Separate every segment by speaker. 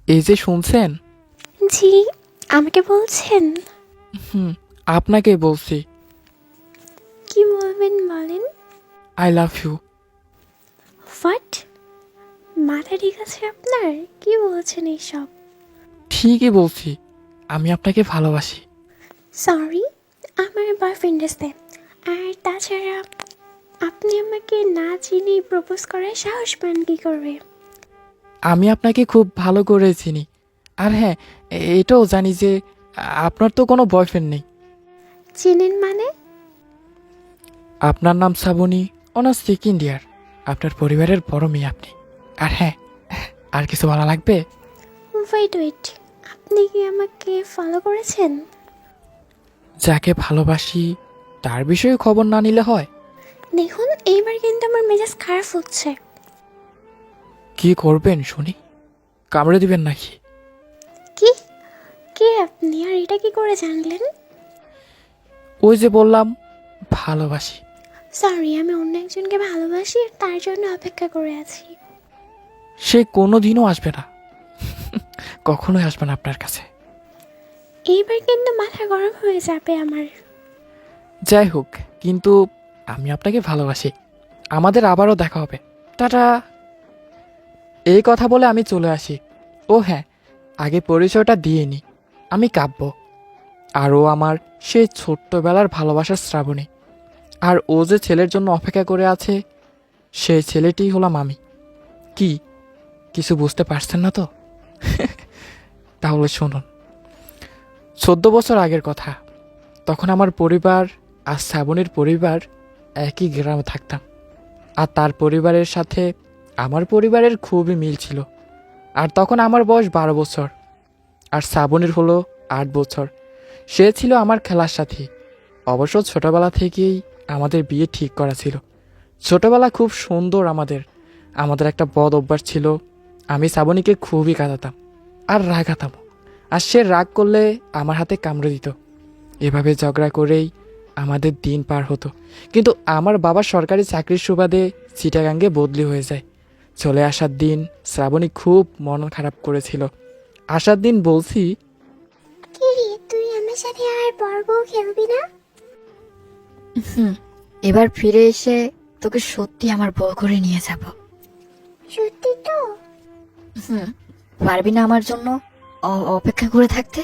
Speaker 1: এই যে শুনছেন?
Speaker 2: জি, আমাকে বলছেন?
Speaker 1: হুম, আপনাকে বলছি।
Speaker 2: কি বলবেন বলেন।
Speaker 1: I love you.
Speaker 2: হোয়াট? মাথা ঠিক আছে আপনার? কি বলছেন এইসব?
Speaker 1: ঠিকই বলছি, আমি আপনাকে ভালোবাসি।
Speaker 2: সরি, আমার বয়ফ্রেন্ড আছে। আর তাছাড়া আপনি আমাকে না চিনেই প্রপোজ করার সাহস পান কী করে?
Speaker 1: আমি আপনাকে খুব ভালো করে চিনি। আর হ্যাঁ, এটাও জানি যে আপনার তো কোনো বয়ফ্রেন্ড নেই।
Speaker 2: চিনেন মানে?
Speaker 1: আপনার নাম শ্রাবণী, অনার্স সেকেন্ড ইয়ার। আপনার পরিবারের বড় মেয়ে আপনি। আর হ্যাঁ, আর কিছু বলা লাগবে?
Speaker 2: ওয়েট, আপনি কি আমাকে ফলো করেছেন?
Speaker 1: যাকে ভালোবাসি তার বিষয়ে খবর না নিলে হয়?
Speaker 2: দেখুন, এইবার কিন্তু আমার মেজাজ খারাপ হচ্ছে।
Speaker 1: কি করবেন শুনি? কামড়ে দিবেন নাকি?
Speaker 2: কি? কে আপনি, আর এটা কি করে জানলেন?
Speaker 1: ওই যে বললাম, ভালোবাসি।
Speaker 2: সরি, আমি অন্য একজনকে ভালোবাসি আর তার জন্য অপেক্ষা করে আছি।
Speaker 1: সে কোনো দিনও আসবে না, কখনোই আসবে না আপনার কাছে।
Speaker 2: এইবার কিন্তু মাথা গরম হয়ে যাবে আমার।
Speaker 1: যাই হোক, কিন্তু আমি আপনাকে ভালোবাসি। আমাদের আবারও দেখা হবে। টাটা। এই কথা বলে আমি চলে আসি। ও হ্যাঁ, আগে পরিচয়টা দিয়ে নি। আমি কাব্য, আর ও আমার সেই ছোট্টবেলার ভালোবাসার শ্রাবণী। আর ও যে ছেলের জন্য অপেক্ষা করে আছে, সেই ছেলেটিই হলাম আমি। কি, কিছু বুঝতে পারছেন না তো? তাহলে শুনুন। 14 বছর আগের কথা। তখন আমার পরিবার আর শ্রাবণীর পরিবার একই গ্রামে থাকতাম। আর তার পরিবারের সাথে আমার পরিবারের খুবই মিল ছিল। আর তখন আমার বয়স 12 বছর, আর শ্রাবণীর হলো 8 বছর। সে ছিল আমার খেলার সাথী। অবশ্য ছোটবেলা থেকেই আমাদের বিয়ে ঠিক করা ছিল। ছোটবেলা খুব সুন্দর আমাদের। আমাদের একটা বদ অভ্যাস ছিল, আমি শ্রাবণীকে খুবই কাঁদাতাম আর রাগাতাম। আর সে রাগ করলে আমার হাতে কামড়ে দিত। এভাবে ঝগড়া করেই আমাদের দিন পার হতো। কিন্তু আমার বাবা সরকারি চাকরির সুবাদে চিটাগাঙ্গে বদলি হয়ে যায়। চলে আসার দিন শ্রাবণী খুব মন খারাপ করেছিল। আসার দিন বলছি,
Speaker 2: কি রে, তুই আমার সাথে আর বর্গ খেলবি না?
Speaker 3: এবার ফিরে এসে তোকে সত্যি আমার বউ করে নিয়ে যাব।
Speaker 2: সত্যি তো?
Speaker 3: পারবি না আমার জন্য অপেক্ষা করে থাকতে?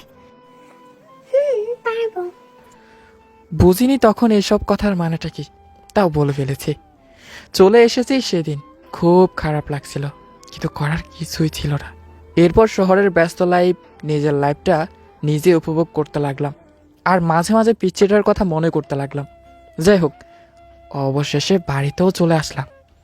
Speaker 2: পারবো।
Speaker 1: বুঝিনি তখন এসব কথার মানেটা কি, তাও বলে ফেলেছি। চলে এসেছি সেদিন, খুব খারাপ লাগছিল, কিন্তু করার কিছুই ছিল না। এরপর শহরের ব্যস্ত লাইফ, নিজের লাইফটা নিজে উপভোগ করতে লাগলাম। আর মাঝে মাঝে পিচ্চিটার কথা মনে করতে লাগলাম। যাই হোক, অবশেষে বাড়িতেও চলে আসলাম।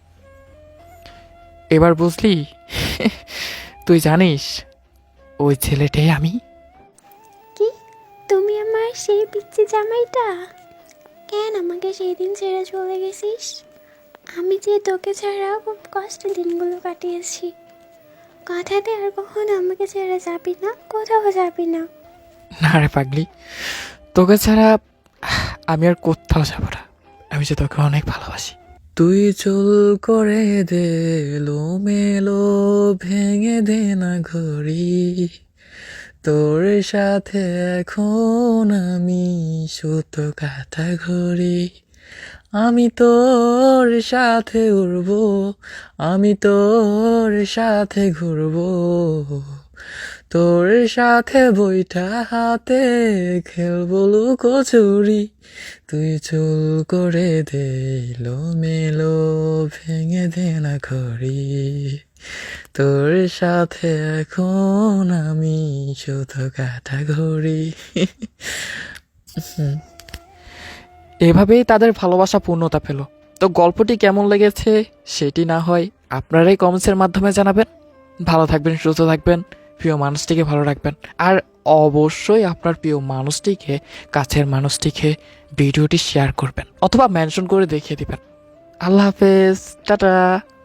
Speaker 1: এবার বুঝলি? তুই জানিস ওই ছেলেটাই আমি।
Speaker 2: কি? তুমি আমার সেই পিচ্চি জামাইটা? কেন আমাকে সেই দিন ছেড়ে চলে গেছিস? আমি যে তোকে ছাড়া খুব কষ্টের দিনগুলো কাটিয়েছি। কথাতে আর কখনো আমাকে ছেড়ে যাবি না, কোথাও যাবি না।
Speaker 1: না রে পাগলি, তোকে ছাড়া আমি আর কোথাও যাব না। আমি যে তোকে অনেক ভালোবাসি। তুই চুল করে দে মেলো, ভেঙে দে না ঘড়ি। তোর সাথে এখন আমি সুতো কাটা ঘড়ি। আমি তোর সাথে উড়বো, আমি তোর সাথে ঘুরবো, তোর সাথে বইটা হাতে খেলবো লুকোচুরি। তুই চুল করে দে মেলো, ভেঙে দে না ঘড়ি। তোর সাথে এখন আমি শুধু কাটা ঘড়ি। এভাবেই তাদের ভালোবাসা পূর্ণতা পেল। তো গল্পটি কেমন লেগেছে সেটি না হয় আপনারাই কমেন্টসের মাধ্যমে জানাবেন। ভালো থাকবেন, সুস্থ থাকবেন, প্রিয় মানুষটিকে ভালো রাখবেন। আর অবশ্যই আপনার প্রিয় মানুষটিকে, কাছের মানুষটিকে ভিডিওটি শেয়ার করবেন অথবা মেনশন করে দেখিয়ে দিবেন। আল্লাহ হাফেজ, টাটা।